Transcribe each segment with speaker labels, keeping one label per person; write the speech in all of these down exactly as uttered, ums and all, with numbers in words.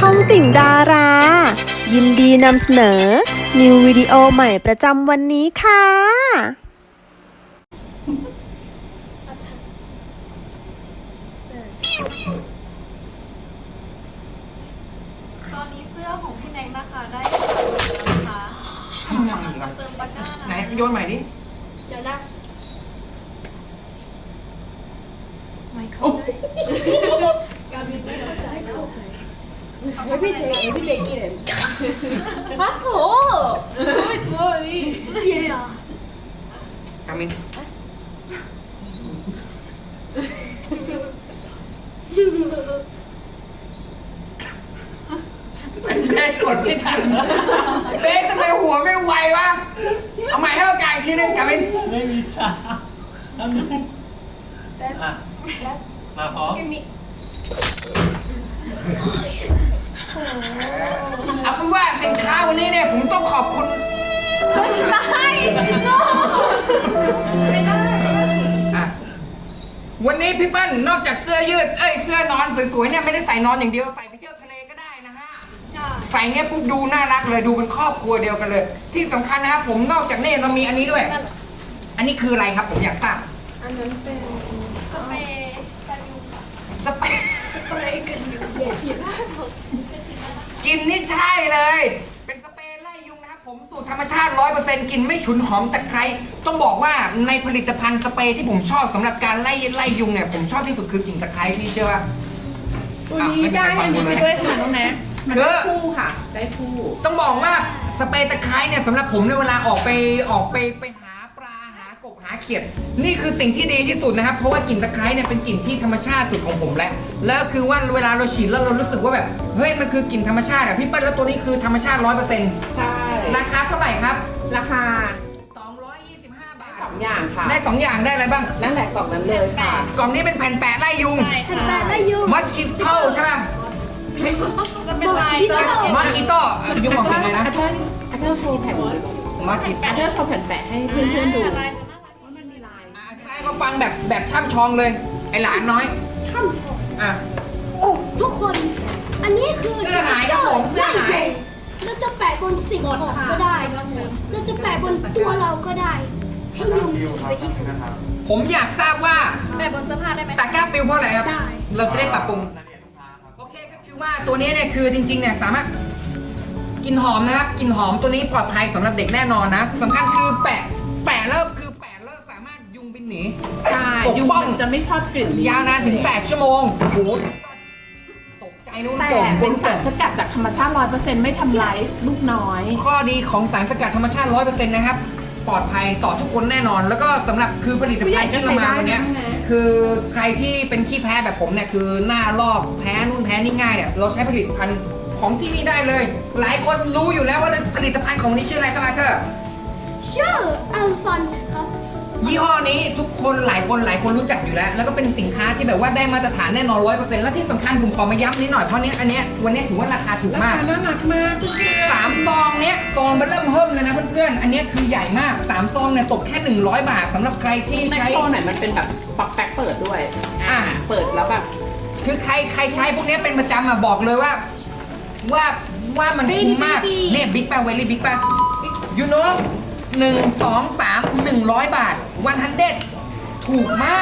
Speaker 1: องติ่งดารา ยินดีนำเสนอ นิววิดีโอใหม่ประจำวันนี้ค่ะ
Speaker 2: ตอนนี้เสื้อของพี่แนงนะคะได้แล้วนะคะ
Speaker 3: ทำยังไงครับ
Speaker 2: เติมบัตหน้า
Speaker 3: ไหนโยนใหม่ดิ
Speaker 2: เดี๋ยวนะไม่เข้าใจการบินไม่เข้าใจเข้าใจ
Speaker 4: Every day, every dayกินมาโถไม่ตัวนี่
Speaker 2: ไม่ใช่หรอก
Speaker 3: ามินเบสกดไม่ทันเบสทำไมหัวไม่ไววะเอาใหม่ให้โอกาสอีกทีนึงกามิน
Speaker 5: ไม่มีสาทำหนึ่งอ่ะมาพร้อม
Speaker 4: กินมิ
Speaker 3: เอาเป็นว่าสินค้าวันนี้เนี่ยผมต้องขอบคุณ
Speaker 2: ได้โนไม่ได้
Speaker 3: อ่ะวันนี้พี่เปิ้ลนอกจากเสื้อยืดเอ้ยเสื้อนอนสวยๆเนี่ยไม่ได้ใส่นอนอย่างเดียวใส่ไปเที่ยวทะเลก็ได้นะฮะ
Speaker 2: ใช่
Speaker 3: ใส่เนี้ยปุ๊บดูน่ารักเลยดูเป็นครอบครัวเดียวกันเลย ที่สำคัญนะครับผมนอกจากนี้เรามีอันนี้ด้วย อันนี้คืออะไรครับผมอยากทราบ
Speaker 4: อันนั้นเป็น
Speaker 2: สเปรย์กันยุงค่ะ
Speaker 3: สเปรย์
Speaker 2: สเปรย์กันยุง
Speaker 4: เดี๋ยวฉีดหน้า
Speaker 3: กินนี่ใช่เลย เป็นสเปรย์ไล่ยุงนะครับผมสูตรธรรมชาติ ร้อยเปอร์เซ็นต์ กลิ่นไม่ฉุนหอมตะไคร้ต้องบอกว่าในผลิตภัณฑ์สเปรย์ที่ผมชอบสำหรับการไล่ไล่ยุงเนี่ยผมชอบที่สุดคือกลิ่นตะไคร้พี่เชื่อป่ะ
Speaker 6: ตัวนี้ได้อันนี้ไปด้วยค่ะน้องแนะมัน
Speaker 3: คื
Speaker 6: ได้
Speaker 3: อ
Speaker 6: คู่ค่ะ ได้คู่
Speaker 3: ต้องบอกว่าสเปรย์ตะไคร้เนี่ยสำหรับผมในเวลาออกไปออกไปไปหาปลาหากบหาเขียด นี่คือสิ่งที่ดีที่สุดนะครับเพราะว่ากลิ่นตะไคร้เนี่ยเป็นกลิ่นที่ธรรมชาติสุดของผมแล้วแล้วคือว่าเวลาเราฉีดแล้วเรารู้สึกว่าแบบเฮ้ยมันคือกลิ่นธรรมชาติอะพี่เปิ้ลแล้วตัวนี้คือธรรมชาติ ร้อยเปอร์เซ็นต์
Speaker 6: ใช่
Speaker 3: ราคาเท่าไหร่ครับ
Speaker 6: ราคา
Speaker 3: สองร้อยยี่สิบห้า บาท
Speaker 6: สองอย่างค่ะ
Speaker 3: ได้สองอย่างได้อะไรบ้าง
Speaker 6: นั่นแหละกล่องนั้นเลยค่ะ
Speaker 3: กล่องนี้เป็นแผ่นแปะไล่ยุง
Speaker 2: ใช่ค่ะ
Speaker 4: แต่ละยุง
Speaker 3: มัดคริสตัลใช่ไหม
Speaker 2: จะเป็นลาย
Speaker 4: ที่
Speaker 2: ตัว
Speaker 4: ชอบ
Speaker 3: มัดกีโต้ยุงบอกยังไงนะ
Speaker 6: อาเธอร์อาเธอร์โชว์แผ่น
Speaker 3: มัดกี
Speaker 6: อาเธอร์โชว์แผ่นแปะให้เพื่อนๆดู
Speaker 2: ลายจะน่ารัก
Speaker 6: ว่ามันมีลาย
Speaker 3: อธิบายให้เขาฟังแบบแบบช่ำชองเลยไอหลานน้อย
Speaker 4: ช่ำชอง
Speaker 3: อ่ะ
Speaker 4: โอ้ทุกคน อันนี้คือ
Speaker 3: เสื้อหายครับผมเสื้อหาย
Speaker 4: เราจะแปะบนสิ่งของก็ได้เราจะแปะบนตัวเราก็ได้ ให้ยุงไปที่สุด
Speaker 3: ผมอยากทราบว่า
Speaker 2: แบบบนเสื้อผ้าได้ไหม
Speaker 3: ตะกร้าปิวเพราะอะไรครับ
Speaker 4: ได้
Speaker 3: เราจะได้ปรับปรุง โอเคก็คือว่าตัวนี้เนี่ยคือจริงๆเนี่ยสามารถกลิ่นหอมนะครับกลิ่นหอมตัวนี้ปลอดภัยสำหรับเด็กแน่นอนนะสำคัญคือแปะแปะแล้วคือแปะแล้วสามารถยุงบินหนี
Speaker 6: ใช่
Speaker 3: ปก
Speaker 6: ยุง
Speaker 3: ป้อง
Speaker 6: มันจะไม่ชอบกลิ่น
Speaker 3: ยาวนานถึงแปดชั่วโมงโอ้โหตกใจนู้น
Speaker 6: แต่
Speaker 3: โป่ง
Speaker 6: เป็น
Speaker 3: โป่
Speaker 6: สารง สกัดจากธรรมชาติ ร้อยเปอร์เซ็นต์ ไม่ทำร้ายลูกน้อย
Speaker 3: ข้อดีของสารสกัดธรรมชาติ ร้อยเปอร์เซ็นต์ นะครับปลอดภัยต่อทุกคนแน่นอน แล้วก็สำหรับคือผลิตภัณฑ์ที่เรามาวันเนี้ย
Speaker 6: ผู้ใหญ่ก็ใช้ได้นะ
Speaker 3: คือใครที่เป็นขี้แพ้แบบผมเนี่ยคือหน้าลอกแพ้นู่นแพ้นี่ง่ายเนี่ยเราใช้ผลิตภัณฑ์ของที่นี่ได้เลย หลายคนรู้อยู่แล้วว่าผลิตภัณฑ์ของนี้ชื่ออะไรครับอาเธอร์
Speaker 4: ชื่ออัลฟอนส์ครับ
Speaker 3: ยี่ห้อนี้ทุกคนหลายคนหลายคนรู้จักอยู่แล้ว แล้วก็เป็นสินค้าที่แบบว่าได้มาตรฐานแน่นอนร้อยเปอร์เซ็นต์และที่สำคัญผมขอมาย้ำนิดหน่อยเพราะเนี้ยอันเนี้ยวันเนี้ยถือว่าราคาถูก
Speaker 6: รา
Speaker 3: มา
Speaker 6: คาก น่ารักมากเพื่อนๆ
Speaker 3: สามซองเนี้ยซองมันเริ่มเพิ่มเลยนะเพื่อนๆอันเนี้ยคือใหญ่มากสามซองเนี่ยตกแค่หนึ่งร้อยบาทสำหรับใครที่
Speaker 6: แม็ก
Speaker 3: ใช้
Speaker 6: โครไหนมันเป็นแบบปักแป๊กเปิดด้วย อ่า เปิดแล้วแบบ
Speaker 3: คือใครใครใช้พวกเนี้ยเป็นประจำอ่ะบอกเลยว่า ว่าว่ามันคุ้มมากเนี่ยบิ๊กป่ะเวลี่บิ๊กป่ะยูโน่หนึ่งสองสามหนึ่งร้อยบาทวันฮันเด็ดถูกมาก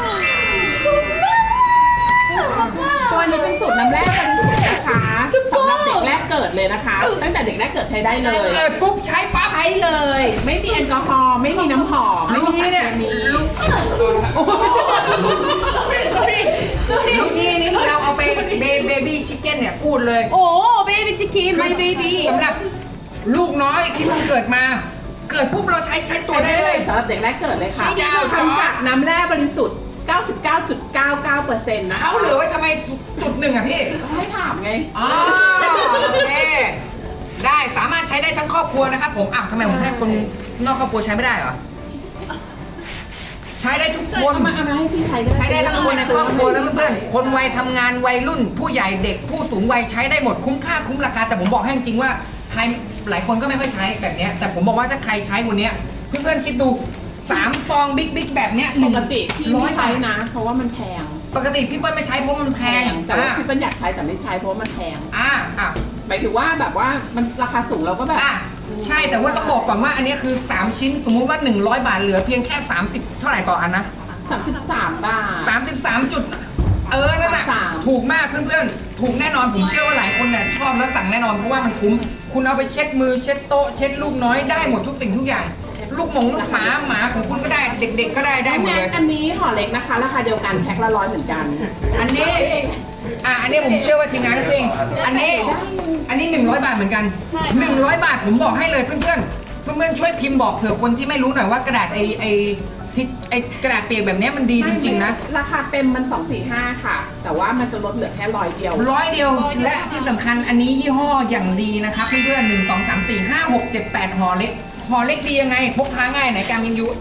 Speaker 6: ตัวนี้เป็นสูตรน้ำแร่บริสุทธิ์นะคะสำหรับเด็กแรกเกิดเลยนะคะ ตั้งแต่เด็กแรกเกิดใช้ได้เลย
Speaker 3: เกิดปุ๊บใช้ปั๊บ
Speaker 6: ใช้เลย ไม่มีแอลกอฮอล์ไม่มีน้ำหอมไม่มีสารเคมีโอ้โห
Speaker 2: sorry sorry
Speaker 3: ลูกนี่นี่เราเอาไปเบบี้ชิคเก้นเนี่ยพูดเลย
Speaker 2: โอ้เบบี้ชิคกี้ my baby
Speaker 3: สำหรับลูกน้อยที่เพิ่งเกิดมา เกิดปุ๊บเราใช้ใช้ตัว
Speaker 6: ใช้
Speaker 3: ได้
Speaker 6: ได้
Speaker 3: เล
Speaker 6: เลย ยสำหรับเด็กแรกเกิดเลยค่ะ
Speaker 3: ใช่จ้า
Speaker 6: ทำจากน้ำแร่บริสุทธิ์ เก้าสิบเก้าจุดเก้าเก้าเปอร์เซ็นต์ นะ
Speaker 3: เขาเหลือไว้ทำไมจุดหนึ่งอ่ะพี่
Speaker 6: ให้ถามไง
Speaker 3: อ๋อโอเคได้สามารถใช้ได้ทั้งครอบครัวนะครับผมอ้าวทำไมผมให้คนนอกครอบครัวใช้ไม่ได้เหรอใช้ได้ทุกคน
Speaker 6: เอามาเอามาให้พี่ใช้ด้วย
Speaker 3: ใช้ได้ทั้งคนในครอบครัวแล้วเพื่อนๆคนวัยทำงานวัยรุ่น ผู้ใหญ่เด็กผู้สูงวัยใช้ได้หมดคุ้มค่าคุ้มราคาแต่ผมบอกให้จริงๆว่าใครหลายคนก็ไม่ค่อยใช้แบบเนี้ยแต่ผมบอกว่าถ้าใครใช้วันเนี้ยเพื่อนๆคิดดูสามซองบิ๊กบิ๊กแบบเนี้ย
Speaker 6: ปกติพี่
Speaker 3: ร้อ
Speaker 6: ไม่
Speaker 3: ย
Speaker 6: ใช้
Speaker 3: บาท
Speaker 6: นะ เพราะว่ามันแพง
Speaker 3: ปกติพี่เปิ้ลไม่ใช้เพราะมันแพ
Speaker 6: แพ
Speaker 3: ง
Speaker 6: งแต่ว่า
Speaker 3: อ่ะ
Speaker 6: พี่เปิ้ลอยากใช้แต่ไม่ใช้เพราะว่ามันแพง
Speaker 3: อ่ะอ่ะ
Speaker 6: หมายถึงว่าแบบว่ามันราคาสูงเราก็แบบ
Speaker 3: อ่ะใช่แต่ว่าต้องบอกก่อนว่าอันนี้คือสามชิ้นสมมุติว่าหนึ่งร้อยบาทเหลือเพียงแค่สามสิบเท่าไหร่ต่ออันนะ
Speaker 6: สามสิบสามบาท
Speaker 3: สามสิบสามจุดเออนั่นแหละ
Speaker 6: สาม
Speaker 3: ถูกมากเพื่อนๆถูกแน่นอนผมเชื่อว่าหลายคนเนี่ยชอบแล้วสั่งแน่นอนเพราะว่ามันคุ้มคุณเอาไปเช็ดมือเช็ดโต๊ะเช็ดลูกน้อยได้หมดทุกสิ่งทุกอย่าง ลูกหมงลูกหมาหมาของคุณก็ได้เด็ก ๆ ก็ได้ได้หมดเลย
Speaker 6: อันนี้ห่อเล็กนะคะ ราคาเดียวกันแพ็คละร้อยเหมือนกัน
Speaker 3: อันนี้อ่ะอันนี้ผมเชื่อว่าทีมงานก็ซื้อเองอันนี้อันนี้หนึ่งร้อยบาทเหมือนกันหนึ่งร้อยบาทผมบอกให้เลยเพื่อนๆเพื่อนๆช่วยพิมพ์บอกเผื่อคนที่ไม่รู้หน่อยว่ากระดาษไอไอที่ไอกระดาษเปียกแบบนี้มันดีจริงๆนะ
Speaker 6: ราคาเต็มมันสองสี่ห้าค่ะ แต่ว่ามันจะลดเหลือแค่ร้อยเดียว
Speaker 3: ร้อยเดียวและที่สำคัญอันนี้ยี่ห้ออย่างดีนะครับเพื่อนๆหนึ่งสองสามสี่ห้าหกเจ็ดแปดห่อเล็กห่อเล็กดียังไงพกพาง่ายไหนการมินยุ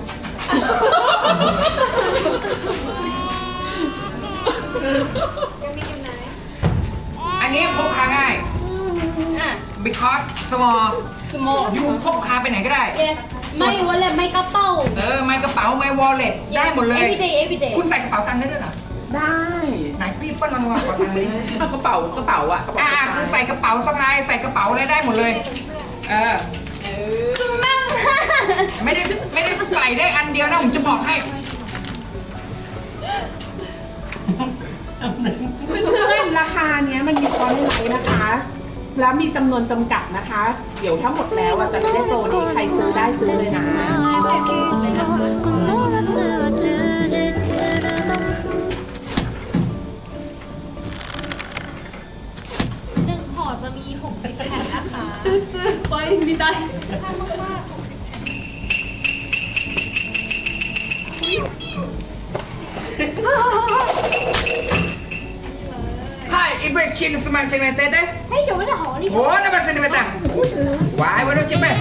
Speaker 3: อันนี้พกพาง่าย
Speaker 2: อ่ะ
Speaker 3: because small
Speaker 2: small
Speaker 3: ยูพกพาไปไหนก็ได้
Speaker 2: yes ไม่วันละไม่กระเป๋า
Speaker 3: เออไม่กระเป๋าไม่ wallet ได้หมดเลย
Speaker 2: everyday everyday
Speaker 3: คุณใส่กระเป๋าตังค์ได้ด้วยเหรอ
Speaker 6: ได้
Speaker 3: ไหนพี่เปิ้ลลองวางกระเป๋าตังค์เลย
Speaker 6: เอากระเป๋ากระเป๋าอะกระเป๋า
Speaker 3: อ่าคือใส่กระเป๋าสะพายใส่กระเป๋าอะไรได้หมดเลยเออ
Speaker 2: คือมั่ง
Speaker 3: ไม่ได้ไม่ได้ใส่ได้อันเดียวนะผมจะบอกให้
Speaker 6: เพื่อนๆราคาเนี้ยมันมีคอร์สไลท์นะคะ แล้วมีจำนวนจำกัดนะคะ เดี๋ยวถ้าหมดแล้วอะจะไม่ได้โปรนี้ใครซื้อได้ซื้อเลยนะ
Speaker 7: この夏は充実するの
Speaker 2: หนึ่งห่อจะมีหกสิบแผ่นนะคะซื้อไปไม่ได้ถ้ามากๆหกสิบแผ่น
Speaker 3: Hi, Ibrahim Suman Cemete.
Speaker 4: ให้ชมว่าจะหอนี่
Speaker 3: Oh, nama Cemete. Why, what do you mean?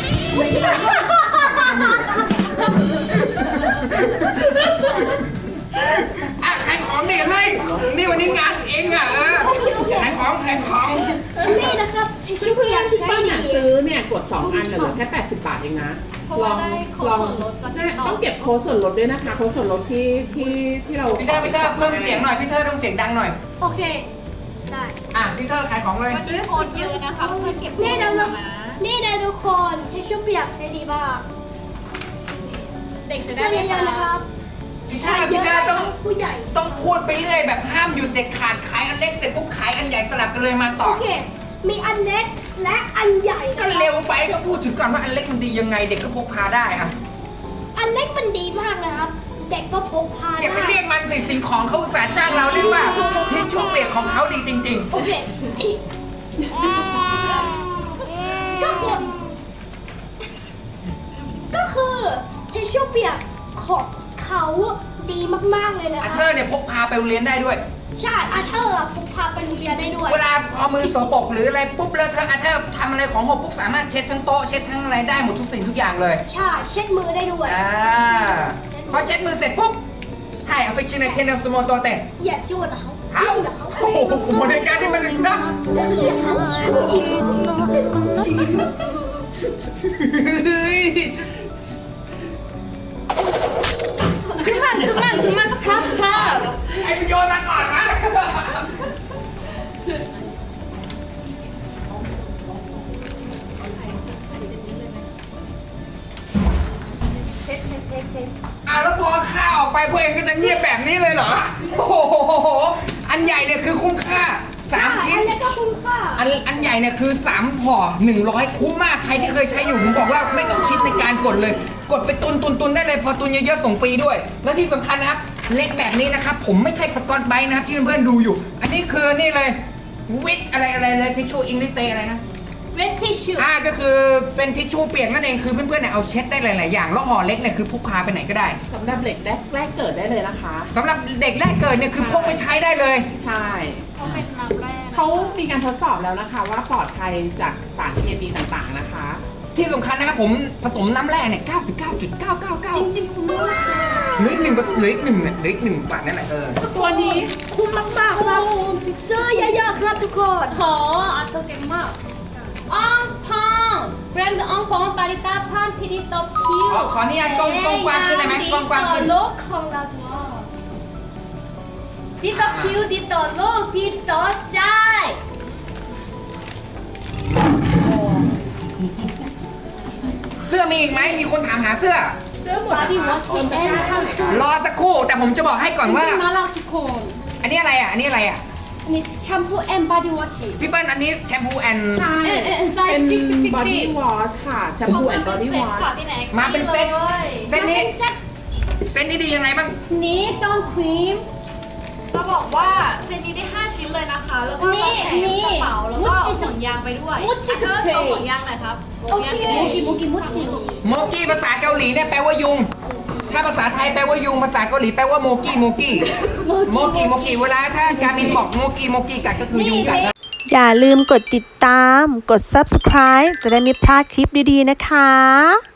Speaker 3: อ่ะขายของดิเฮ้ยนี่วันนี้งานเองอ่ะเออขายของขายของ
Speaker 4: นี่นะครับทิชชู่เปียก
Speaker 6: ที่
Speaker 4: ใช้
Speaker 6: ป้า
Speaker 4: ดี
Speaker 6: เนี่ยซื้อเนี่ยกดสองอันน่ะเหลือแค่แปดสิบบาทเองนะ
Speaker 2: เพราะว่าได้โค้ดส่วนลดจาก
Speaker 6: น่ะต้องเก็บโค้ดส่วนลดด้วยนะคะ โค้ดส่วนลดที่ที่ที่เรา
Speaker 3: พี่เธอพี่เธอเพิ่มเสียงหน่อยพี่เธอต้องเสียงดังหน่อย
Speaker 4: โอเค ได้
Speaker 3: อ่ะพี่เธอขายของเลย
Speaker 2: วันนี้โค้ดเยอะนะคะเพื่อนเก็บโค้
Speaker 4: นี่
Speaker 2: ด
Speaker 4: นะ
Speaker 2: นะ
Speaker 4: นี่นะทุกคนทิชชู่เปียกใช้ดีมาก
Speaker 2: เด็กใช้
Speaker 4: ซื้
Speaker 2: ได้
Speaker 4: อ
Speaker 2: ไหม
Speaker 4: เยอะๆนะค
Speaker 2: คะ
Speaker 4: รับ
Speaker 3: พี่เธ
Speaker 4: ใช้
Speaker 3: อ
Speaker 4: เย
Speaker 3: พี่
Speaker 4: อะ
Speaker 3: เธอ
Speaker 4: นะค
Speaker 3: ต้อ
Speaker 4: รั
Speaker 3: ง
Speaker 4: บผู้ใหญ่
Speaker 3: ต้องพูดไปเรื่อยแบบห้ามหยุดเด็ดขาดขายอันเล็กเสร็จปุ๊บขายอันใหญ่สลับกันเลยมาต่อ
Speaker 4: โอเค มีอันเล็กและอันใหญ่
Speaker 3: ก็เร็วไปก็พูดถึงก่อนว่าอันเล็กมันดียังไงเด็กก็พกพาได้อะ
Speaker 4: อันเล็กมันดีมากนะครับ เด็กก็พกพา
Speaker 3: อย่าไป
Speaker 4: ได้
Speaker 3: เรียกมันสิสิ่งของเขาอุตสาห์จ้างเราเรียกว่าที่ช่วงเปรียกของเขาดีจริง
Speaker 4: โอเคที่ก็คือก็คือทิชชู่เปียกของเขาดีมากๆเลย
Speaker 3: ๆ
Speaker 4: นะ
Speaker 3: อา
Speaker 4: ค
Speaker 3: เธ
Speaker 4: รั
Speaker 3: อบ ร์เนี่ยพกพาไปโรงเรียนได้ด้วย
Speaker 4: ใช่อาเธอร์อะพกพาไปโรงเรียนได้ด้วย
Speaker 3: เวลาพอมือสกปรกหรืออะไรปุ๊บแล้วเธออาเธอร์ทำอะไรของหกปุ๊บสามารถเช็ดทั้งโต๊ะเช็ดทั้งอะไรได้หมดทุกสิ่งทุกอย่างเลย
Speaker 4: ใช่เช็ดมือได้ด้วย
Speaker 3: อ่าพอเช็ดมือเสร็จปุ๊บให้อ f ฟ c t i o n a t e เนลสโมโตเต
Speaker 4: อย่าสู้นะเขา
Speaker 3: เอ้า
Speaker 4: นะเขา
Speaker 3: โอ้โหบริการที่มันนะ
Speaker 7: ってしまえばきっとこの
Speaker 3: เฮ้ย
Speaker 2: คือมันคือมันคือมันครับครับ
Speaker 3: ไอ้โยนมาก่อนนะ
Speaker 4: เซ็ตเซ็ตเซ็ตเซ็ต
Speaker 3: อ่ะแล้วพอค่าออกไปพวกเองก็จะเงียบแบบนี้เลยเหรอ โอ้โห อันใหญ่เนี่ยคือคุ้มค่าสามชิ้น
Speaker 4: อันเล็กก็คุ้มค่า
Speaker 3: อันอันใหญ่เนี่ยคือสามห่อหนึ่งร้อยคุ้มมาก ใครที่เคยใช้อยู่ผมบอกว่าไม่ต้องคิดในการกดเลย กดไปตุนตุนตุนได้เลย พอตุนเยอะๆส่งฟรีด้วย แล้วที่สำคัญนะครับ เล็กแบบนี้นะครับ ผมไม่ใช่สกอตไบรท์นะครับที่เพื่อนๆดูอยู่ อันนี้คือนี่เลยวิทอะไรอะไรอะไรทิชชู่อิงลิเซอะไรนะ
Speaker 2: เวททิชชู่
Speaker 3: อ่าก็คือเป็นทิชชู่เปียกนั่นเองคือเพื่อนๆเนี่ยเอาเช็ดได้หลายๆอย่างแล้วห่อเล็กเนี่ยคือพกพาไปไหนก็ได้
Speaker 6: สำหรับเด็กแรกแรกเกิดได้เลยนะคะ
Speaker 3: สำหรับเด็กแรกเกิดเนี่ยคือพกไปใช้ได้เลย
Speaker 6: ใช่
Speaker 2: เขาเป็นน้ำแร่
Speaker 6: เขามีการทดสอบแล้วนะคะ ว่าปลอดภัยจากสารเคมีต่างๆนะคะ
Speaker 3: ที่สำคัญนะครับผมผสมน้ำแร่เนี่ย เก้าสิบเก้าจุดเก้าเก้าเก้า
Speaker 2: จริงๆคุ้มมากเลย
Speaker 3: เหลืออีกหนึ่งเหลืออีกหนึ่งเนี่ยเหลืออีกหนึ่งบาทนั่นแหละเออ
Speaker 6: ตัวนี้
Speaker 4: คุ้มมากๆครับซื้อเยอะๆครับทุกคน
Speaker 2: โหอัตโตเก่งมากอ่องพองแบรนด์อ่องพองปาริตาพันพิธีตบคิว
Speaker 3: ขอขออนุญาตกล้องกล้องกว้างขึ้นได้ไหมกล้องกว้างขึ้น
Speaker 2: โลกของเราด้วย 디더 퓨 디더 로 디더 짜이
Speaker 3: เสื้อมีอีกไหมมีคนถามหาเสื้อ
Speaker 6: เสื้อหมดนะคะโอนตะกร้าให้หน่อยค่ะ
Speaker 3: รอสักครู่แต่ผมจะบอกให้ก่อนว่า
Speaker 2: น่ารักทุกคน
Speaker 3: อันนี้อะไรอ่ะ อันนี้อะไรอ่ะ
Speaker 2: อันนี้แชมพูแอนด์บอดี้วอช
Speaker 3: พี่เปิ้ลอันนี้แชมพูแอน
Speaker 6: ใช่
Speaker 2: เอ็นเอ็นไซส์
Speaker 6: เป็น
Speaker 2: ปิ๊กปิ๊กปิ๊ก
Speaker 6: บอดี้วอชค่ะแชมพูแอนด์บอดี้วอช
Speaker 2: ค่ะพี่แน็ก
Speaker 3: มาเป็นเซต
Speaker 2: เลย
Speaker 3: เซตนี้ เซตนี้ดียังไงบ้าง
Speaker 2: นี้ซอนครีม จะบอกว่าเซตนี้ได้ห้าชิ้นเลยนะคะ แล้วก็จะแถมกระเป๋าแล้วก็ห่วงยางไปด้วย
Speaker 4: มุจิส
Speaker 2: เธอ
Speaker 4: เปรย์
Speaker 2: โชว์ห่วงยางหน่อยครับห่วงยางสี
Speaker 4: โอเค
Speaker 2: โมกิโมกิมุจิ
Speaker 3: โมกี้ภาษาเกาหลีเนี่ยแปลว่ายุง ถ้าภาษาไทยแปลว่ายุง ภาษาเกาหลีแปลว่าโมกี้โมกี้ โมกี้โมกี้เวลาถ้าการมินบอกโมกี้โมกี้กัดก็คือยุงกัดนะ
Speaker 1: อย่าลืมกดติดตาม กด ซับสไครบ์ จะได้ไม่พลาดคลิปดีๆนะคะ